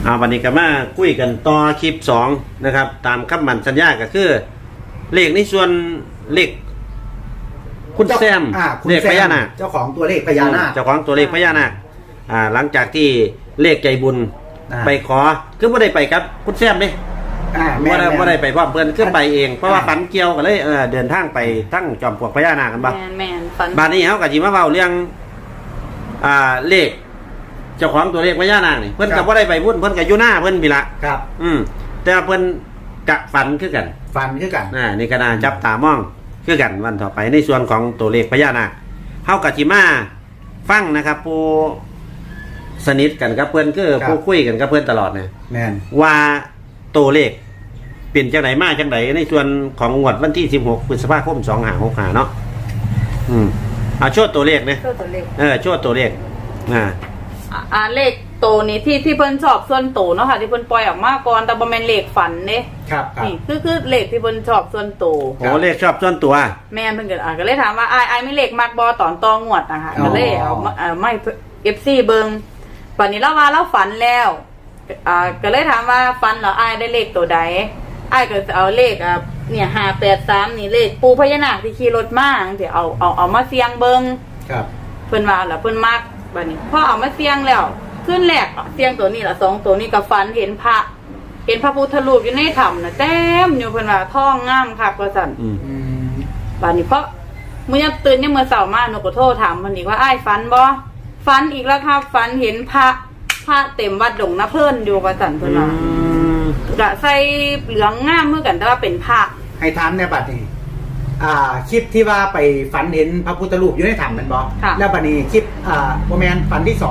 วันนี้ก็มาคุยกันต่อคลิป2นะครับตามคำมั่นสัญญาก็คือเลขในส่วนเลขคุณแซมเลขพญานาคเจ้าของตัวเลขพญานาคเจ้าของตัวเลขพญานาคหลังจากที่เลขใจบุญไปขอคือไม่ได้ไปครับคุณแซมเด้ไม่ได้ไปพร้อมเพื่อนขึ้นไปเองเพราะว่าฝันเกี่ยวกันเลยเดินทางไปทั้งจอมปลวกพญานาคกันบ้างบ้านนี้เขากับจีมาเบาเรื่องเลขเจ้าของตัวเลขพญานาคนี่เพื่อนกับว่าได้ไปพุ่นเพื่อนกับอยู่หน้าเพื่อนพี่ละครับแต่เพื่อนกะฝันคือกันนี่ก็น่าจับตามองคือกันวันต่อไปในส่วนของตัวเลขพญานาคเขากับจีมาฟังนะครับผู้สนิทกันกับเพื่อนคือผู้คุยกันกับเพื่อนตลอดเนี่ยว่าตัวเลขเปลี่ยนจากไหนมาจากไหนในส่วนของงวดวันที่16 พฤษภาคม 2565เนาะเอาโชว์ตัวเลขเนี่ยโชว์ตัวเลขเลขโตนี้ที่เพิ่นชอบส่วนโตเนาะค่ะที่เพิ่นปล่อยออกมาก่อนแต่บ่แม่นเลขฝันเด้ครับนี่คือเลขที่เพิ่นชอบส่วนโตโอ้เลขชอบส่วนตัวแม่นเพิ่นก็เลยถามว่าอ้ายไม่เลขมักบ่ตอนตองวดนะคะก็เลยเอาไม่ FC เบิ่งปัจจุบันเราว่าเราฝันแล้วก็เลยถามว่าฝันแล้วอ้ายได้เลขตัวใดอ้ายก็จะเอาเลขเนี่ย583นี่เลขปูพญานาคที่ขี่รถมาสิเอามาเสี่ยงเบิ่งครับเพิ่นว่าแล้วเพิ่นมักบัดนี้พอเอามาเสี่ยงแล้วขึ้นแรกเสี่ยงตัวนี้ละ2ตัวนี้ก็ฝันเห็นพระพุทธรูปอยู่ในถ้ำน่ะเต็มอยู่เพิ่นว่าท้องงามคักว่าซั่นบัดนี้เพราะมื้อยามตื่นยามมื้อเช้ามาหนูก็โทรถามเพิ่นอีกว่าอ้ายฝันบ่ฝันอีกแล้วครับฝันเห็นพระเต็มวัดดงนะเพิ่นอยู่ว่าซั่นเพิ่นว่าก็ใส่เหลืองงามเหมือนกันแต่ว่าเป็นพระให้ถามในบัดนี้คลิปที่ว่าไปฝันเห็นพระพุทธรูปอยู่ในถ้ำมันบอกแล้วบัดนี้คลิปโมเมนต์ฝันที่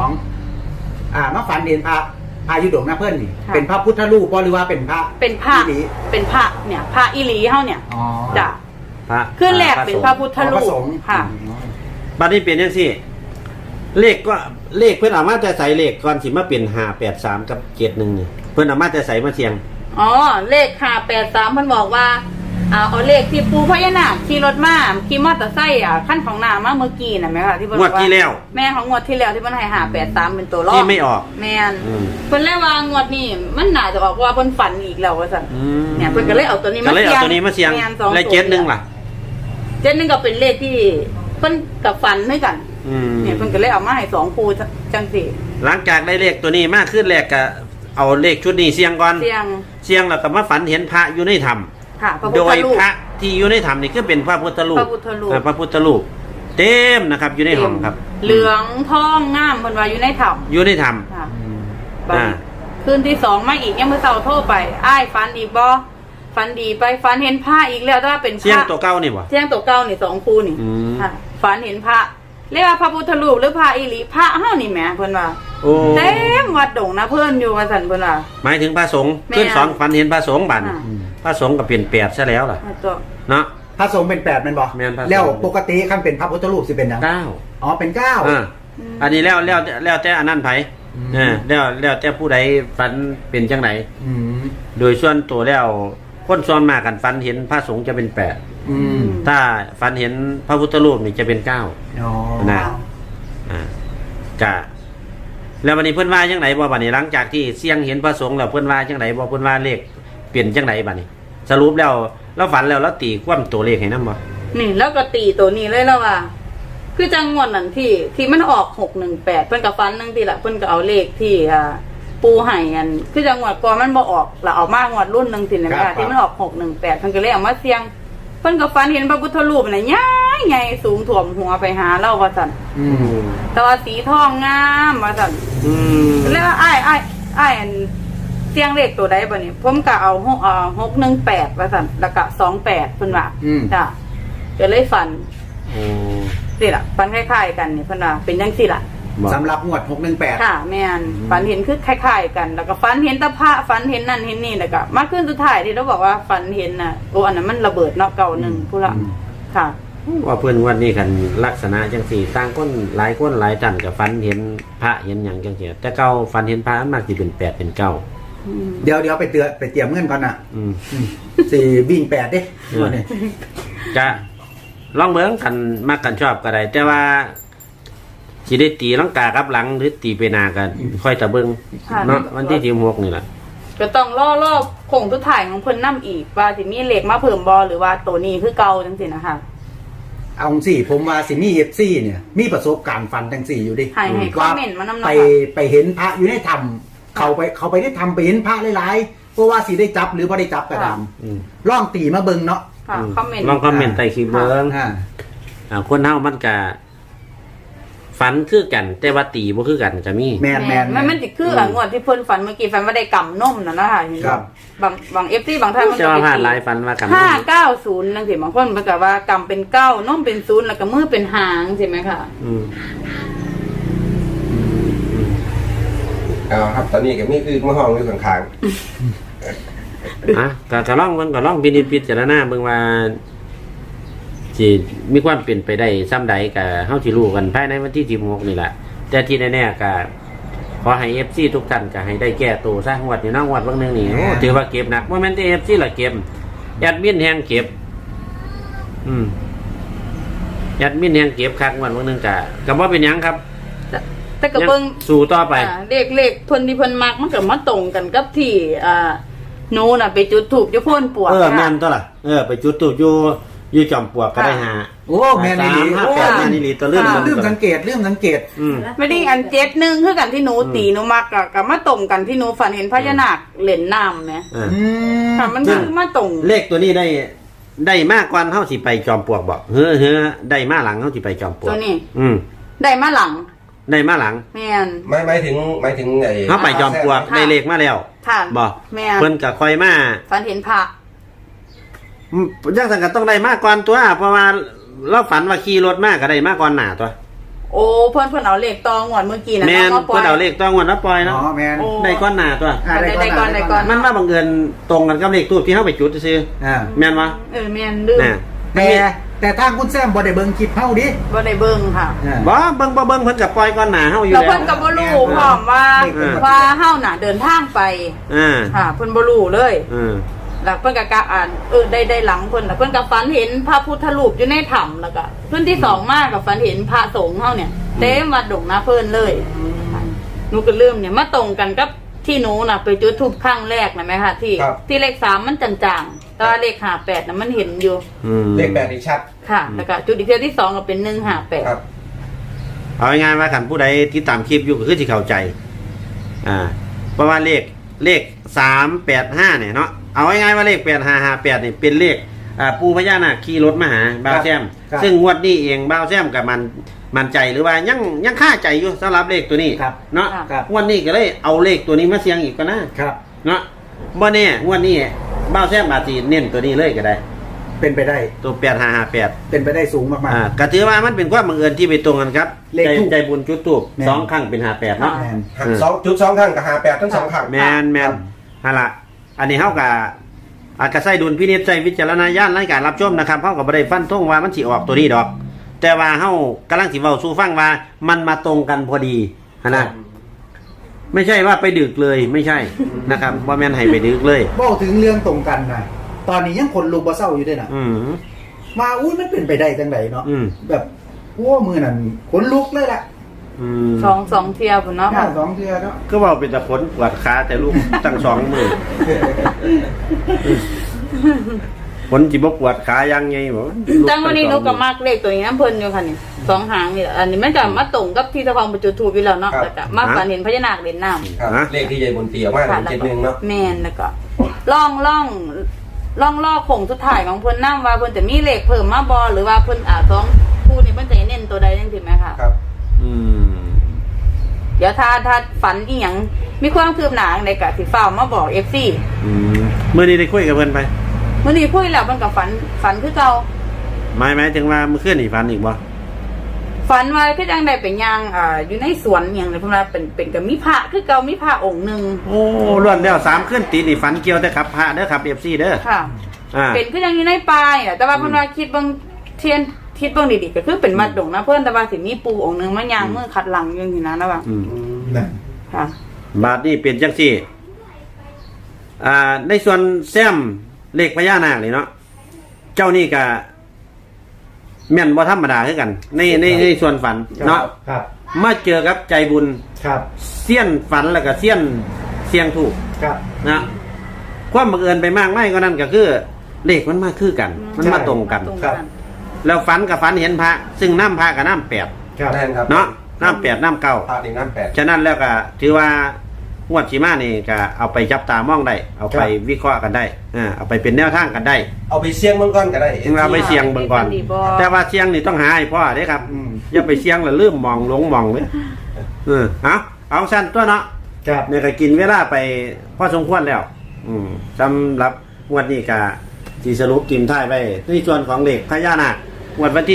2มาฝันเห็นพระยุดงนะเพื่อนนี่เป็นพระพุทธรูปหรือว่าเป็นพระเนี่ยพระอีหลีเฮาเนี่ยจ้ะขึ้นแรกเป็นพระพุทธรูปค่ะบัดนี้เปลี่ยนจังซี่เลขก็เลขเพิ่นเอามาแต่ใส่เลขก่อนสิมาเป็น583กับ71นี่เพิ่นเอามาแต่ใส่มาเสียงเลข583เพิ่นบอกว่าเอาเลขที่ปูพญานาคขี่รถมาขี่มอเตอร์ไซค์ขั้นของหน้ามาเมื่อกี้น่ะแม่ค่ะที่เพิ่นงวดที่แล้วแม่ของงวดที่แล้วที่เพิ่นให้583เป็นตัวรองที่ไม่ออกแม่นเพิ่นเลยว่างวดนี้มันน่าจะออกว่าเพิ่นฝันอีกแล้วว่าซั่นเนี่ยเพิ่นก็เลยเอาตัวนี้มาเสี่ยงและ71ล่ะ 71ก็เป็นเลขที่เพิ่นกับฝันด้วยกันเนี่ยเพิ่นก็เลยเอามาให้2คู่จังซี่หลังจากได้เลขตัวนี้มากขึ้นแรกก็เอาเลขชุดนี้เสี่ยงก่อนเสี่ยงแล้วก็มาฝันเห็นพระอยู่ในถ้ำโดยพระที่อยู่ในถ้ำนี่คือเป็นพระพุทธรูปพระพุทธรูปเต็มนะครับอยู่ในห้องครับเหลืองทองงามเพิ่นว่าอยู่ในถ้ำคืนที่2มาอีกยังมื้อเช้าโทรไปอ้ายฝันอีกบ่ฝันดีไปฝันเห็นพระอีกแล้วแต่ว่าเป็นพระเสียงตัวเก่านี่บ่เสียงตัวเก่านี่2คู่นี่ค่ะฝันเห็นพระเรียกว่าพระพุทธรูปหรือพระอีหลีพระเฮานี่แหมเพิ่นว่าเต็มวัดดงนะเพิ่นอยู่ว่าซั่นเพิ่นว่าหมายถึงพระสงฆ์ขึ้น2ฝันเห็นพระสงฆ์บัดพระสงฆ์ก็เป็น8ซะแล้วล่ะเนาะพระสงฆ์เป็น8แม่นบ่แล้วปกติคันเป็นพระพุทธรูปสิเป็นหยัง9เป็น9 อันนี้แล้วแต่อันนั้นไผแล้วแต่ผู้ใดฝันเป็นจังไดโดยส่วนตัวแล้วคนส่วนมากกันฝันเห็นพระสงฆ์จะเป็น8ถ้าฝันเห็นพระพุทธรูปนี่จะเป็น9นะกะแล้ววันนี้เพิ่นว่าจังไดบ่บัดนี้หลังจากที่เสี่ยงเห็นพระสงฆ์แล้วเพิ่นว่าจังไดบ่เพิ่นว่าเลขเปลี่ยนจังไดบัดนี้สรุปแล้วเราฝันแล้วเราตีความตัวเลขให้นำบ่นี่แล้วก็ตีตัวนี้เลยแล้วว่าคือจังงวดนั้นที่มันออก618เพิ่นก็ฝันนึงทีละเพิ่นก็เอาเลขที่ปูให้กันคือจังงวดก่อนมันบ่ออกแล้วเอามางวดรุ่นนึงสิแม่ค่ะที่มันออก618เพิ่นก็เลยเอามาเสี่ยงเพิ่นก็ฝันเห็นพระพุทธรูปน่ะใหญ่สูงท่วมหัวไปหาเราว่าซั่นแต่ว่าสีทองงามว่าซั่นแล้วอ้ายอันเสียงเลขตัวใดบ่นี่ผมก็เอา618ว่าซั่นแล้วก็28เพิ่นว่าจ้ะก็เลยฝันนี่ล่ะฝันคล้ายๆกันนี่เพิ่นว่าเป็นจังซี่ล่ะสำหรับงวด618 ค่ะแม่นฝันเห็นคือคล้ายๆกันแล้วก็ฝันเห็นตะพระฝันเห็นนั่นเห็นนี่แล้วก็มาขึ้นสุดท้ายที่เราบอกว่าฝันเห็นน่ะอันนั้นมันระเบิดเนาะเก่านึงพุ่นละค่ะว่าเพิ่นวันนี้กันลักษณะจังซี่ต่างคนหลายคนหลายท่านก็ฝันเห็นพระเห็นหยังจังซี่แต่เก่าฝันเห็นพระมันมักสิเป็น8เป็น9 เดี๋ยวไปเตรียมเงินก่อนน่ะสิวิ่ง8เด้จะลองเบิ่งกันมักกันชอบก็ได้แต่ว่าสิได้ตีลังกากับหลังหรือตีไปหนากันค่อยตะเบิงค่ะเนาะวันที่16นี่แหละก็ต้องรอคงทุกถ่ายของเพิ่นนํอีกว่าสิมีเลขมาเพิ่มบ่หรือว่าตัวนี้คือเก่าจังซี่นะคะเอาสิผมว่าสิมีเอฟซีเนี่ย มีประสบการณ์ฟันทั้งสี่อยู่ดิให้คอมเมนต์มานำไปเนาะค่ะไปเห็นพระอยู่ในถ้ำเขาไปได้ทำไปเห็นพระหลายๆเพราะว่าสิได้จับหรือบ่ได้จับก็ตามอืมล่องตีมาเบิ่งเนาะค่ะคอมเมนต์ลองคอมเมนต์ใต้คลิปเบิ่ง คนเฮามันก็ฝันคือกัน แต่ว่าตีบ่คือกันก็มีแมนมันสิคืออ่ะงวดที่เพิ่นฝันเมื่อกี้ฝันว่าได้กำนมน่ะนะคะครับบาง FC บางท่านมันจะก็ว่าไปผ่านตีหลายฝันว่ากัน 590จังซี่บางคนมันก็ว่ากำเป็น9นมเป็น0แล้วก็มือเป็นหางใช่ไหมคะอืมเอาครับตอนนี้ก็มีคือมาห้องอยู่ข้างอ่ะก็ลองเบิ่งก็ลองพิจารณาเบิ่งว่าสิมีความเป็นไปได้ซ้ำใดก็เฮาสิรู้กันภายในวันที่16นี่แหละแต่ที่แน่ๆก็ขอให้ FC ทุกท่านก็ให้ได้แก้ตัวซะงวดนี้เนาะงวดเบิ่งนึงนี่โอ้ถือว่าเก็บหนักบ่แม่นแต่ FC ละเก็บแอดมินแฮงเก็บ แอดมินแฮงเก็บคักงวดเบิ่งนึงก็บ่เป็นหยังครับแต่ก็เบิ่งสู้ต่อไปเลขเพิ่นที่เพิ่นมักมันก็มาตรงกันกับที่หนูน่ะไปจุดธูปอยู่โพ่นปวกแม่นตัวล่ะไปจุดตูบอยู่จอมปลวกก็ได้หาโอ้แมนนี่ 3 5 8แม่นนี่ตัวเรื่องลืมสังเกตไม่ได้อัน71คือกันที่หนูตีหนูมักก็มาตรงกันที่หนูฝันเห็นพญานาคเล่นน้ำแหมค่ะมันคือมาตรงเลขตัวนี้ได้มากกว่าเฮาสิไปจอมปลวกบ่เฮ้อได้มาหลังเฮาสิไปจอมปลวกตัวนี้อืมได้มาหลังได้มาหลังแม่นๆหมายถึงไอ้เฮาไปจอมปลวกค่ะได้เลขมาแล้วค่ะบ่แม่นเพิ่นก็ค่อยมาฝันเห็นพระจังซั่นก็ต้องได้มากกว่าตัวเพราะว่าเราฝันว่าขี่รถมาก็ได้มากกว่าหน้าตัวโอ้เพิ่นเอาเลขตองวดเมื่อกี้นะแม่นมาปล่เพิ่นเอาเลขต้องวันละปล่อยเนาะอ๋อแมนโอ้ได้ก้อนหน้าตัวได้ก่อนได้ก่อนมันมาบังเอิญตรงกันกับเลขทูปที่เฮาไปจุดซื่ออ่าแม่นบ่แม่นลืมน่ะแต่ทางคุณแซมบ่ได้เบิ่งคลิปเฮาดิบ่ได้เบิ่งค่ะบ่เบิ่งเพิ่นก็ปล่อยก้อนหน้าเฮาอยู่แล้วแล้วเพิ่นก็บ่รู้พร้อมว่าเฮาน่ะเดินทางไปอ่าค่ะเพิ่นบ่รู้เลยอืมแล้วเพิ่นก็กะอ่านได้หลังเพิ่นแล้วเพิ่นก็ฝันเห็นพระพุทธรูปอยู่ในถ้ำแล้วก็เพิ่นที่สองมาก็ฝันเห็นพระสงฆ์เฮาเนี่ยเต็มวัดดงนาเพิ่นเลยหนูก็ลืมเนี่ยมาตรงกันกับที่หนูน่ะไปจุดธูปครั้งแรกนะแม่ค่ะที่เลข3มันจางๆแต่ว่าเลข58น่ะมันเห็นอยู่อืมเลข8นี่ชัดค่ะ แล้วก็จุดอีกเที่ยวที่2ก็เป็น158 ครับเอาง่ายๆว่าคันผู้ใดที่ตามคลิปอยู่ก็คือสิเข้าใจเพราะว่าเลข385เนี่ยเนาะเอาง่ายๆว่าเลข8558นี่เป็นเลขปู่พญานาคขี่รถมาหาบ่าวแซมซึ่งงวดนี้เองบ่าวแซมกับมันใจหรือว่ายังค่าใจอยู่สำหรับเลขตัวนี้เนาะครับงวดนี้ก็เลยเอาเลขตัวนี้มาเสี่ยงอีกก็นะครับ เนาะบ่แน่งวดนี้บ่าวแซมอาจสิเน้นตัวนี้เลยก็ได้เป็นไปได้ตัว8558 เป็นไปได้สูงมากก็ถือว่ามันเป็นความบังเอิญที่ไปตรงกันครับเลขทูปใจบุญจุดทูบแม่น 2ครั้งเป็น58เนาะๆแมน 2 ครั้งกับ58ทั้ง2ครั้งแมนนั่นล่ะอันนี้เฮากับอาจจะใส่ดุลพินิจใส่วิจารณญาณในการรับชมนะครับเฮาก็บ่ได้ฟันธงว่ามันสิออกตัวนี้ดอก แต่ว่าเฮากำลังสิเว้าสู่ฟังว่ามันมาตรงกันพอดีนะไม่ใช่ว่าไปดึกเลยไม่ใช่นะครับบ่แม่นให้ไปดึกเลยบอกถึงเรื่องตรงกันนะตอนนี้ยังคนลูกบ่เศร้าอยู่ด้วยนะอืมมาอุ้ยมันเป็นไปได้จังไดเนาะอืมแบบโอ้มือนั่นขนลุกเลยล่ะอืมสองเที่ยวพุ่นเนาะหน้าสองเทือเนาะก็เว้าเป็นแต่ขนปวดขาแต่ลูกตั้ง2มื้อขนสิบ่ปวดขายังไงบ่จังวันนี้หนูก็มักเลขตัวนี้น้ำเพิ่นอยู่ค่ะนี่2หางนี่แหละอันนี้มันจะมาตรงกับที่เจ้าของไปจุดธูปอยู่แล้วเนาะแล้วก็มาฝันเห็นพญานาคเล่นน้ำครับเลขที่ยายบุญตีออกมาค่ะเป็น71เนาะแม่นแล้วก็ล่องลอกคงสุดท้ายของเพิ่นนำว่าเพิ่นจะมีเลขเพิ่มมาบ่หรือว่าเพิ่นสองคู่นี่เพิ่นจะเน้นตัวใดจังซี่แม่ค่ะครับอืมเดี๋ยวถ้าฝันอีหยังมีความคืบหน้าจังไดก็สิฟ้าวมาบอก FC มื้อนี้ได้คุยกับเพิ่นไปมื้อนี้คุยแล้วเพิ่นก็ฝันคือเก่าหมายถึงว่ามื้อคืนนี่ฝันอีกบ่ฝันว่าคือจังได๋ไปย่างอยู่ในสวนหยังเลยเพิ่นว่าเป็นก็มีพระคือเก่ามีพระองค์หนึงโอ้ล้วนแล้ว3คืนติดนี่ฝันเกี่ยวแต่ครับพระเด้อครับ FC เด้อค่ะ เป็นคือยังอยู่ในป่านี่แหละแต่ว่าเพิ่นว่าคิดเบิ่งคิดเบิ่งดีๆก็คือเป็นมัดดงนะเพิ่นแต่ว่าสิมีปูองค์หนึงมาย่างมือขัดหลังอยู่นี่นะว่านั่นค่ะบาทนี่เป็นจังซี่ในส่วนแซมเลขพญานาคนี่เนาะเจ้านี่ก็แม่นบ่ธรรมดาคือกันในส่วนฝันเนาะครับมาเจอกับใจบุญครับเสี้ยนฝันแล้วก็เสี้ยนเสียงถูกครับนะความบังเอิญไปมากไม่ก็นั่นก็คือเลขมันมาคือกัน มันมาตรงกันตรงกันแล้วฝันกับฝันเห็นพระ ซึ่งน้ำพระกับน้ำแปดครับแน่นครับเนาะน้ำแปดน้ำเก้าพาดน้ำแปดฉะนั้นแล้วก็ถือว่างวดชีมานี่ก็เอาไปจับตามองได้ เอาไปวิเคราะห์กันได้เอาไปเป็นแนวทางกันได้เอาไปเสี่ยงเบิ่งก่อนก็ได้เราไปเสี่ยงเบิ่งก่อนดีบ่แต่ว่าเสี่ยงนี่ต้องหาให้พ่อเด้ครับอย่าไปเสี่ยงแล้วลืมมองหลงมองเลยเอาสั้นตัวเนาะครับเนี่ยก็กินเวลาไปพอสมควรแล้ว สำหรับงวดนี้ก็สีสรุปกิมท้ายไปในส่วนของเด็กพญานาคงวดวันที่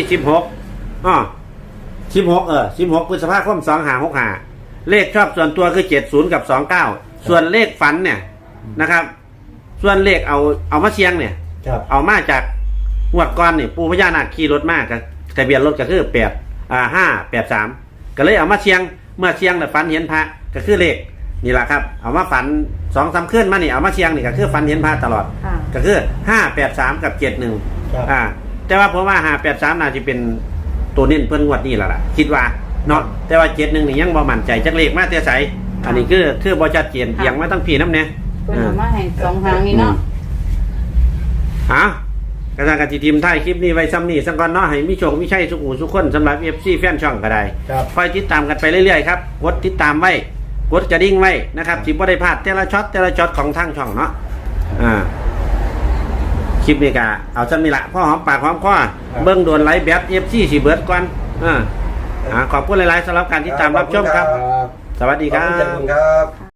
16 พฤษภาคม2565เลขชอบส่วนตัวคือ70กับ29ส่วนเลขฝันเนี่ยนะครับ ส่วนเลขเอามาเชียงเนี่ยครับเอามาจากงวดก่อนนี่ปู่พญานาคขี่รถมากกับทะเบียนรถก็คือ583ก็เลยเอามาเชียงเมื่อเชียงแล้วฝันเห็นพระก็คือเลขนี่แหละครับเอามาฝัน2-3คืนมานี่เอามาเชียงนี่ก็คือฝันเห็นพระตลอดค่ะก็คือ583กับ71 ครับแต่ว่าผมว่า583น่าจะเป็นตัวเน้นเพิ่นงวดนี้แล้วล่ะคิดว่าเนาะแต่ว่า71นี่ยังบ่มั่นใจจักเลขมาแต่ไสอันนี้คือบ่ชัดเจนเอียงมาทั้งพี่น้ำเนี่ยเพิ่นเอามาให้สองหางนี่เนาะกระทางการทีมท้ายคลิปนี้ไว้ซ้ำนี่สังกอนเนาะให้มีโชคมีชัยสุขุสุขคนสำหรับ FC แฟนช่องก็ได้ครับคอยติดตามกันไปเรื่อยๆครับกดติดตามไว้กดกระดิ่งไว้นะครับสิบ่ได้พลาดแต่ละช็อตของทางช่องเนาะคลิปนี้ก็เอาซ้ำนี่ละพ่อหอมปากหอมคอเบิ่งโดนไลฟ์แบบ FC สิเบิดก่อนขอบคุณหลายๆสำหรับการติดตามรับชมครับ สวัสดีครัขอบคุณบครับ